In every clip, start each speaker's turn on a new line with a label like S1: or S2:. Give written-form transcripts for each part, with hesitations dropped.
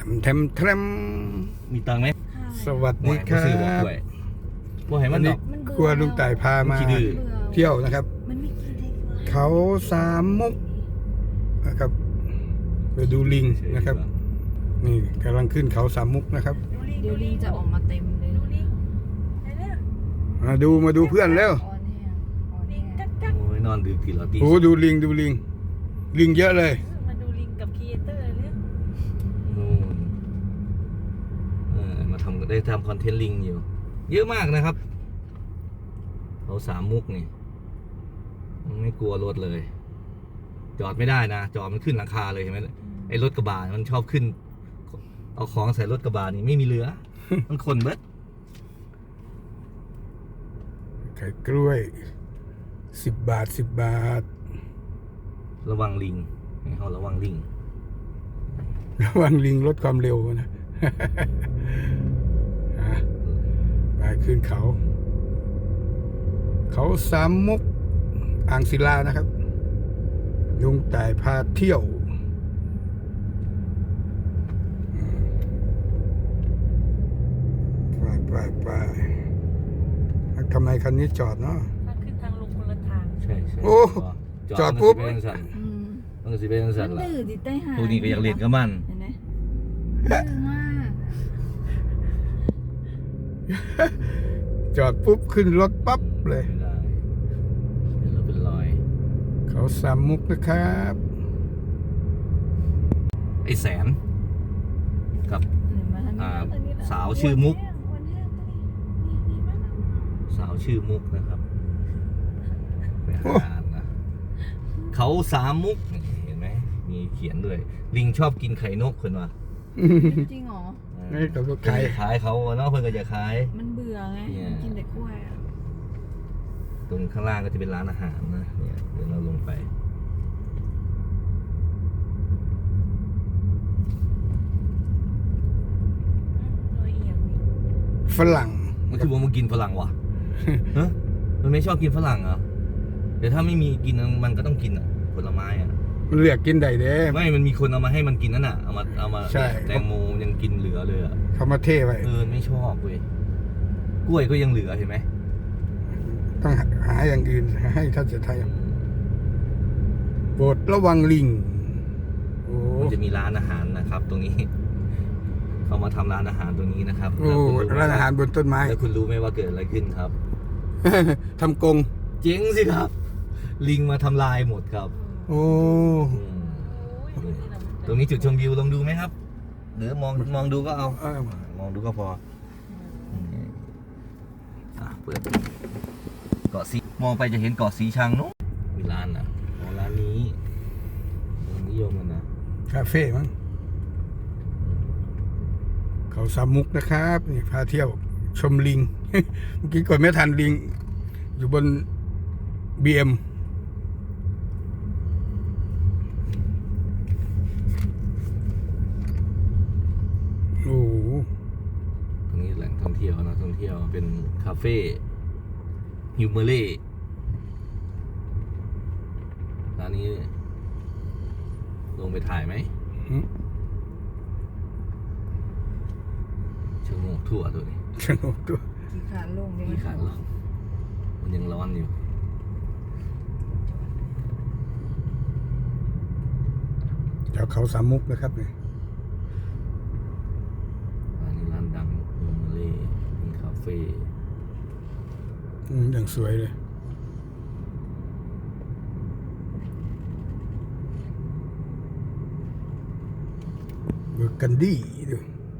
S1: แทม
S2: มีตังค์ไหม
S1: สวัสดีครับ
S2: บ่ให้มันดอก
S1: กลัวลุงต่ายพามาเที่ยวนะครับ เขาสามมุกนะครับไปดูลิงนะครับ นี่กำลังขึ้นเขาสามมุกนะครับ
S3: เดี๋ยวลิงจะออกมาเต็มเลย
S1: มาดูเพื่อนแล้ว
S2: โอ้ยนอนดึกกี่รอบตี
S1: โอ้ดูลิงลิงเยอะเลย
S3: มาดูลิงกับครีเอเตอร์เลย
S2: นู่นมาได้ทำคอนเทนต์ลิงอยู่เยอะมากนะครับเขาสามมุกนี่ไม่กลัวรถเลย จอดไม่ได้นะจอดมันขึ้นหลังคาเลยเห็นไหมไอ้รถกระบะมันชอบขึ้นเอาของใส่รถกระบะนี่ไม่มีเหลือ มันคนเบิด
S1: ไข่กล้วย10 บาท
S2: ระวังลิงให้เขาระวังลิง
S1: ระวังลิงลดความเร็วนะ ไปขึ้นเขาสามมุกอ่างศิลานะครับลุงต่ายพาเที่ยวไปทำไมคันนี้จอดเนาะ
S3: ถ้าขึ้นทางลงคนละทาง
S2: ใช่
S1: โอ้จอดปุ๊บ
S2: มันก็สิเป็นสั่น
S3: มัน
S2: ล่ะ
S3: ดื้อดิใต้หา
S2: พวกนี้ก็อยากเล่นกับมัน
S3: เห็นไหมดื้อมาก
S1: จอดปุ๊บขึ้นรถปั๊บเลย
S2: ไม่ได้เดี๋ยวเราเป็นรอย
S1: เขาสามมุกนะครับ
S2: ไอ้แสนกับสาวชื่อมุกนะครับไปหาอ่านนะเขาสามมุกเห็นไหมมีเขียนด้วยลิงชอบกินไข่นกคนวะ
S3: จริงเหรอ
S1: นี่เขาก็
S2: ขายเขาเนาะเพื่อนก็จะขาย
S3: มันเบื่อไงมันกินแต่กล้วยอ่ะ
S2: ตรงข้างล่างก็จะเป็นร้านอาหารนะเนี่ยเดี๋ยวเราลงไป
S1: ฝรั่ง
S2: มันคือว่ามันกินฝรั่งวะ ฮะมันไม่ชอบกินฝรั่งเหรอเดี๋ยวถ้าไม่มีกินมันก็ต้องกินอ่ะผลไม้อ่ะ
S1: มันเรียกกินได้เด้
S2: ไม่มันมีคนเอามาให้มันกินนั่นน่ะเอามา
S1: ใช่
S2: แตงโมยังกินเหลือเลยอ่ะ
S1: เขามาเท่ไว้
S2: ไม่ชอบเว้ยกล้วยก็ยังเหลือเห็นไหม
S1: ต้องหาอย่างอื่นให้ท่านเสถียรไทยโปรดระวังลิงโอ้
S2: มันจะมีร้านอาหารนะครับ ตรงนี้ เขามาทำร้านอาหารตรงนี้นะครับ
S1: โอ้ร้านอาหารบนต้นไม้
S2: แล้วคุณรู้ไหมว่าเกิดอะไรขึ้นครับ
S1: ทำกง
S2: เจ๊งสิครับ ลิงมาทำลายหมดครับ
S1: โอ้
S2: ตรงนี้จุดชมวิวลองดูไหมครับหรือมองดูก็เอามองดูก็พอเปิดเกาะสีมองไปจะเห็นเกาะสีชังนู้นมีร้านนะร้านนี้นิยมกันนะ
S1: คาเฟ่มั้งเขาสามมุกนะครับนี่พาเที่ยวชมลิง เมื่อกี้ก่อนไม่ทันลิง อยู่บน BM โอ้โห
S2: ตรงนี้แหล่งท่องเที่ยวนะท่องเที่ยวเป็นคาเฟ่ฮิวเมเล่ร้านนี้ลงไปถ่ายไหมชะโงกทั่วตัวนี้
S1: สนุกตัว
S3: กี่ขาลง
S2: มีขาลงมันยังร้อนอยู่
S1: แถวเขาสามมุกนะครับนี่
S2: ร้านนี้ร้านดังฮิวเมเล่เป็นคาเฟ่
S1: อย่างสวยเลยเบอร์กันดี้ดู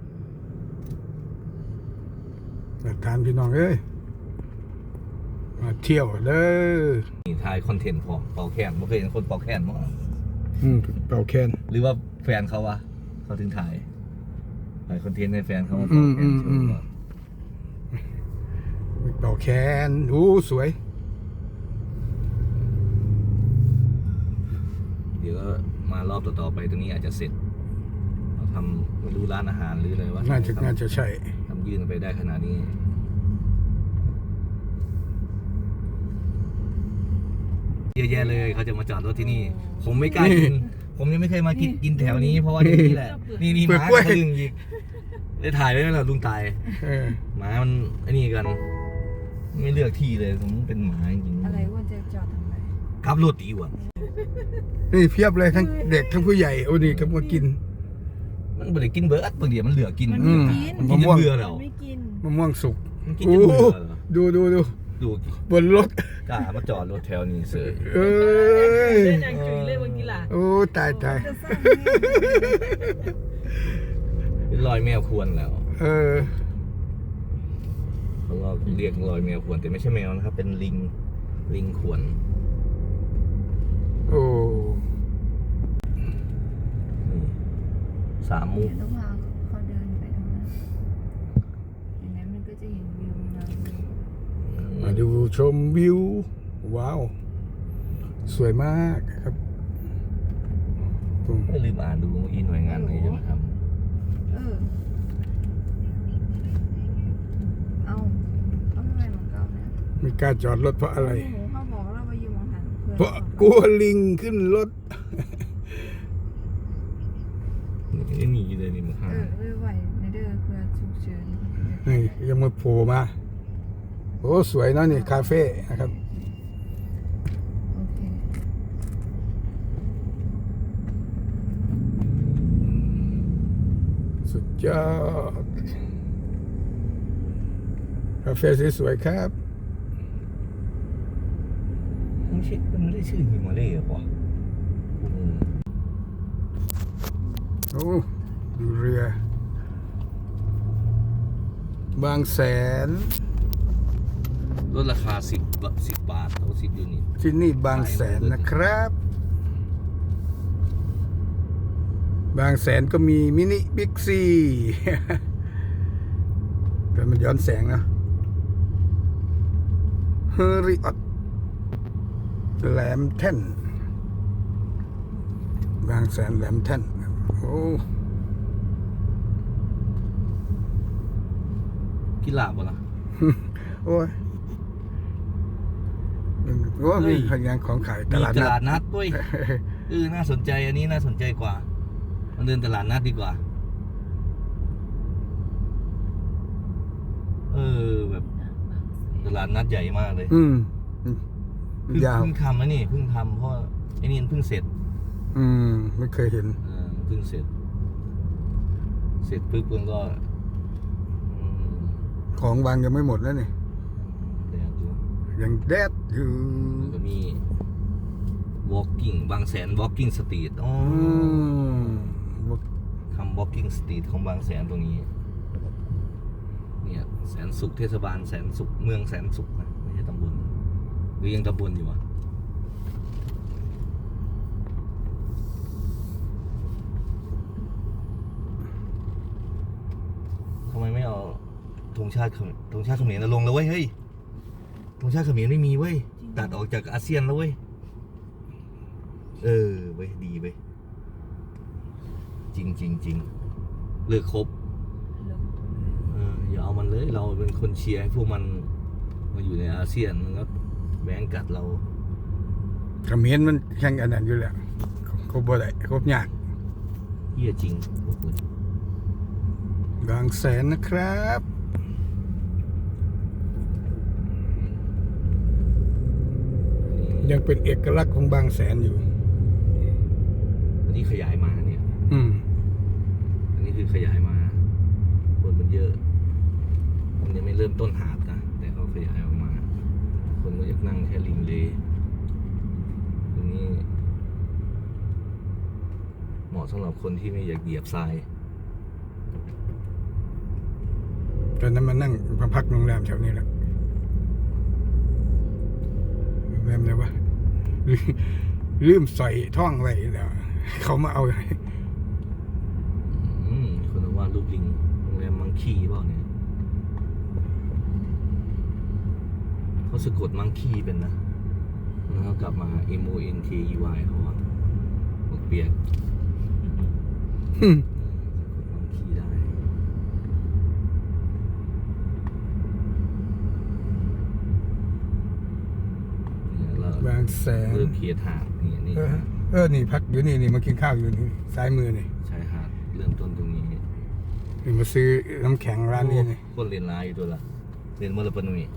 S1: มาทานพี่น้องเอ้ยมาเที่ยวเด้อ
S2: นี่ถ่ายคอนเทนต์พอเป่าแคนไม่เคยเห็นคนเป่าแคนมั้ง
S1: เป่าแคน
S2: หรือว่าแฟนเขาวะเขาถึงถ่ายคอนเทนต์ให้แฟนเขามาเป่าแคนโชว์ก่อน
S1: เป่าแคนอู้สวย
S2: เดี๋ยวมารอบต่อๆไปตรงนี้อาจจะเสร็จเราทำไม่รู้ร้านอาหารหรืออะไรวะ
S1: น่าจะใช่
S2: ทำยื่นไปได้ขนาดนี้เยอะแยะเลยเขาจะมาจอดรถที่นี่ ผมไม่กล้ากินผมยังไม่เคยมากินแถวนี้เพราะว่าที่นี่แหละนี่หมาทะลึงอีกได้ถ่ายไว้แล้วลุงตาย
S1: เออ
S2: หมามันไอ้นี่กัน ไม่เลือกที่เลยผมเป็นหมาจริง
S3: อะไรว่าจะจอดทำไม
S2: ขับรถดีกว่า
S1: นี่เพียบเลยทั้งเด็กทั้งผู้ใหญ่โอ้นี่ก็มากิน
S2: มันไม่ได้กินเบิร์ดบางทีมันเหลือกิน
S3: มัน
S1: อื
S3: ไม่
S1: ม
S3: กิน
S2: กินจนเบื่อแล้ว
S3: มันไม่กิน
S1: มะม่วงสุก
S2: มันกิน
S1: โอ้
S2: จนเบื่อแล้ว
S1: ดูดูดู
S2: ดู
S1: บนรถ
S2: กล้ามาจอดรถแถวนี้เสย
S1: เอ้ย
S4: นางจุ๋ยเลยเมื่อกี้ล่ะ
S1: โอ้ตายตาย
S3: จะสร้าง
S2: เป็นรอยแมวควรแล้ว
S1: เออ
S2: เขาก็เรียกรอยแมวควรแต่ไม่ใช่แมวนะครับ เป็นลิงควร
S1: โอ้
S2: นี่สามมุก
S3: ต้องพาเขาเดินไปตรงนั้นอย่างนั้นมันก็จะเห็นวิวนะ
S1: มาดูชมวิว ว้าว สวยมากครับ
S2: ไม่ลืมอ่านดูอีหน่วยงานไหนจะมาท
S3: เออเอาทำไมเหมือนเก่าเนี่ย
S1: ไม่กล้าจอดรถเพราะอะไร
S3: หนูเขาบอกว่าเราไปยืมของหันเพื่อน
S1: เพราะกลัวลิงขึ้นรถ
S2: ำนี่หนีเลยนี่มึงหา
S3: ไม่ไหวในเด้อเพื่อฉุกเฉิน
S1: นี่ยังมาโผล่มา โอ้ สวยเนาะนี่ คาเฟ่นะครับ
S3: โอเค
S1: สุดยอด คาเฟ่สวยๆครับ
S2: มันไม่ได้ชื่อฮิมาเล่หรอวะ
S1: โอ้ดูเรือ บางแสน
S2: ลดราคา10 บาทเอา10 ยูนิต
S1: ที่นี่บางแสนนะครับ บางแสนก็มีมินิบิ๊กซี แต่มันย้อนแสงนะเฮอริออตแหลมแท่น บางแสนแหลมแท่น โอ้
S2: กีฬาบ่ล่ะ
S1: โอ้ยโอ้มีพยานของขายต
S2: มี
S1: ลาด
S2: ต
S1: นั
S2: ลา
S1: ด
S2: ดนัดด้วยน่าสนใจอันนี้น่าสนใจกว่ามันเดินตลาดนัดดีกว่า แบบตลาดนัดใหญ่มากเลย
S1: อืม
S2: เพิ่ง
S1: ยาว
S2: ทำนะนี่เพิ่งทำเพราะไอ้นี่เพิ่งเสร็จ
S1: อืม ไม่เคยเห็น
S2: เพิ่งเสร็จปุ๊บมันก็อืม
S1: ของวางยังไม่หมดแล้วนี่
S2: แดดอยู่
S1: ยังแดดอยู่
S2: มันก็มี walking บางแสน walking street อ๋อ
S1: อืม
S2: ทำ walking street ของบางแสนตรงนี้ เนี่ยแสนสุขเทศบาลแสนสุขเมืองแสนสุขนะไม่ใช่ตำบลหรือยังตำบลอยู่วะทำไมไม่เอาธงชาติเขมรลงแล้วเว้ยเฮ้ยธงชาติเขมรไม่มีเว้ยตัดออกจากอาเซียนแล้วเว้ยเว้ยดีเว้ยจริงเลิกครบอย่าเอามันเลยเราเป็นคนเชียร์ให้พวกมันมาอยู่ในอาเซียนมันก็แบ่งกัดเรา
S1: เขมรมันแข่งอันนั้นอยู่แล้วครบบ่ได้ครบยาก
S2: เหี้ยจริงพวกคุณ
S1: บางแสนนะครับ ยังเป็นเอกลักษณ์ของบางแสนอยู่
S2: อันนี้ขยายมาเนี่ย
S1: อืม
S2: อันนี้คือขยายมาคนมันเยอะมันยังไม่เริ่มต้นหาดนะแต่เขาขยายออกมา คนก็อยากนั่งแค่ริมเลตรงนี้เหมาะสำหรับคนที่ไม่อยากเหยียบทราย
S1: ตอนนั้นมานั่งมาพักโรงแรมแถวนี้แหละโรงแรมอะไรวะลืมใส่ท่องไว้แล้วเขามาเอา
S2: คนว่ารูปลิงโรงแรมมังคีเปล่าเนี่ยเขาสะกดมังคีเป็นนะแล้วเขากลับมา MONKEY เขาว่าบอกเปียกสะกดมังคีได้เนี่ยเรา
S1: บางแสน
S2: เริ่มเคลียร์ทางนี่
S1: เออนี่พักอยู่นี่มากินข้าวอยู่นี่ซ้ายมือนี่
S2: ชายหาดเริ่มต้นตรงนี้
S1: นี่มาซื้อน้ำแข็งร้านนี้นี่
S2: คนเรียนร้ายอยู่ตัวละเรียนมลปนุย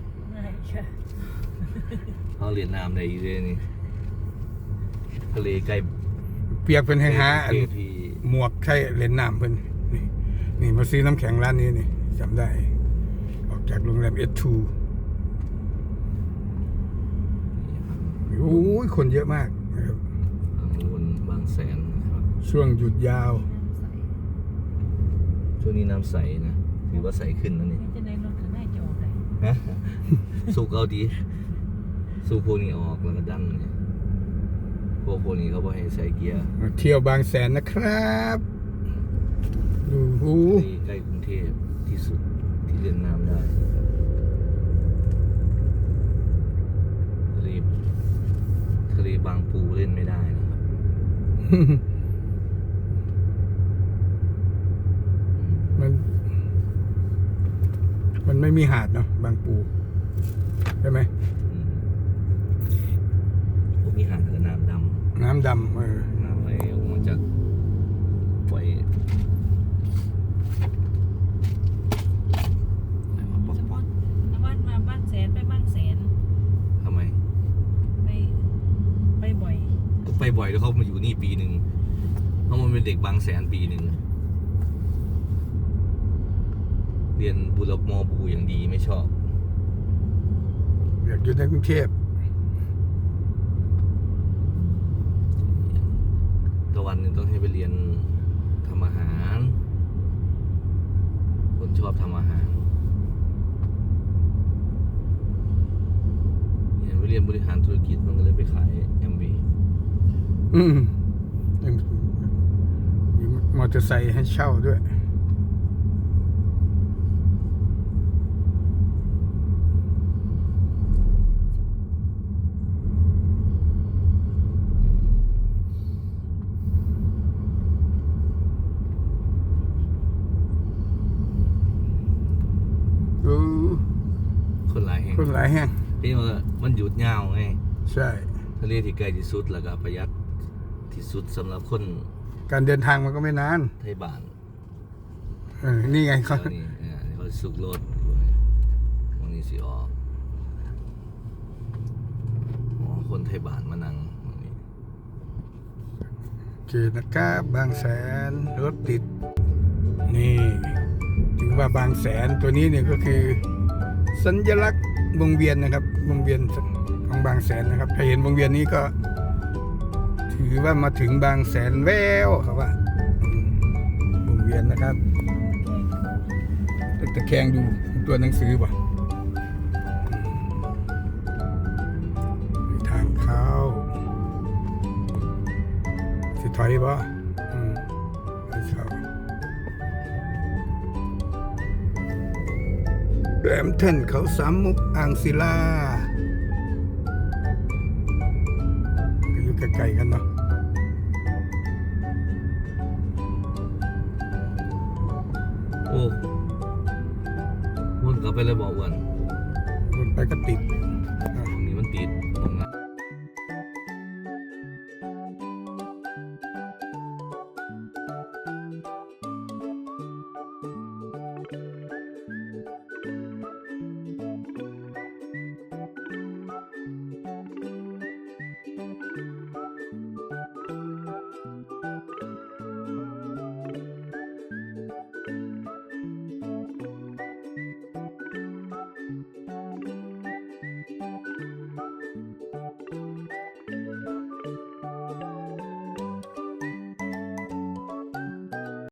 S2: เขาเรียนน้ำในอีเรนี่ทะเลใกล้
S1: เปียกเป็นแห้งหาอัน
S2: ที่
S1: หมวกใช่เล่นน้ำเพิ่นนี่มาซื้อน้ำแข็งร้านนี้นี่จำได้ ออกจากโรงแรมS2โอ้ยคนเยอะมากนะครับ
S2: ทางวนบางแสนนะครับ
S1: ช่วงหยุดยาว
S2: ช่วงนี้น้ำใสนะถือว่าใสขึ้นแล้วนี่
S3: จะในรถข้างในจะออกได้
S2: ฮะสูบเอาดีสูบพวกนี้ออกแล้วก็ดันเนี่ยพวกนี้เขาบอกให้ใส่เกียร์
S1: มาเที่ยวบางแสนนะครับดูหู
S2: ที่ใกล้กรุงเทพที่สุดที่เล่นน้ำได้ทะเลบางปูเล่นไม่ได้นะครับ
S1: มันไม่มีหาดเนาะบางปูใช่ไหม
S2: พวกมีหาดกับน้ำด
S1: น้ำดำ
S2: ำน้ำไหลออกมาจากปล่อยอะไรมาป๊อกป๊อก
S3: น้ำมันมาบ้านแสนไปบ้านแสน
S2: ทำไม
S3: ไปบ่อย
S2: ก็ไปบ่อยแล้วเขามาอยู่นี่ปีหนึ่งเพราะมันเป็นเด็กบางแสนปีหนึ่งเรียนบุรมอบูอย่างดีไม่ชอบ
S1: อยากอยู่ในกรุงเทพ
S2: ตะวันหนึงต้องให้ไปเรียนทำอาหาร คนชอบทำอาหารเนี่ยไปเรียนบริหารธุรกิจมันก็เลยไปขาย MV
S1: มีมอเตอร์ไซค์ให้เช่าด้วยดู
S2: คนหลายแห่ง
S1: คนหลายแห่ง
S2: ที่ว่ามันหยุดยาวไง
S1: ใช่
S2: ทะเลที่ไกลที่สุดแล้วก็ประหยัดที่สุดสำหรับคน
S1: การเดินทางมันก็ไม่นาน
S2: ไทยบ้าน
S1: นี่ไงเขา
S2: เดี๋ยวนี้เขาสุกรถวันนี้สิออกอ๋อคนไทยบ้านมานั่งวันนี้
S1: โอเคนะครับบางแสนรถติด นี่ถึงว่าบางแสนตัวนี้เนี่ยก็คือ สัญลักษณ์วงเวียนนะครับวงเวียนของบางแสนนะครับถ้าเห็นวงเวียนนี้ก็ ถือว่ามาถึงบางแสนแววครับว่าวงเวียนนะครับตะแคงดูตัวหนังสือป่ะทางเข้าสิถอยป่ะไม่เข้าแหลมเท่นเขาสามมุกอ่างศิลาก็อยู่ใกล้ๆกันเนาะ
S2: โอ้วนกลับไปเลยบอกอ้วัน
S1: วนไปก็ติด
S2: ตรงนี้มันติด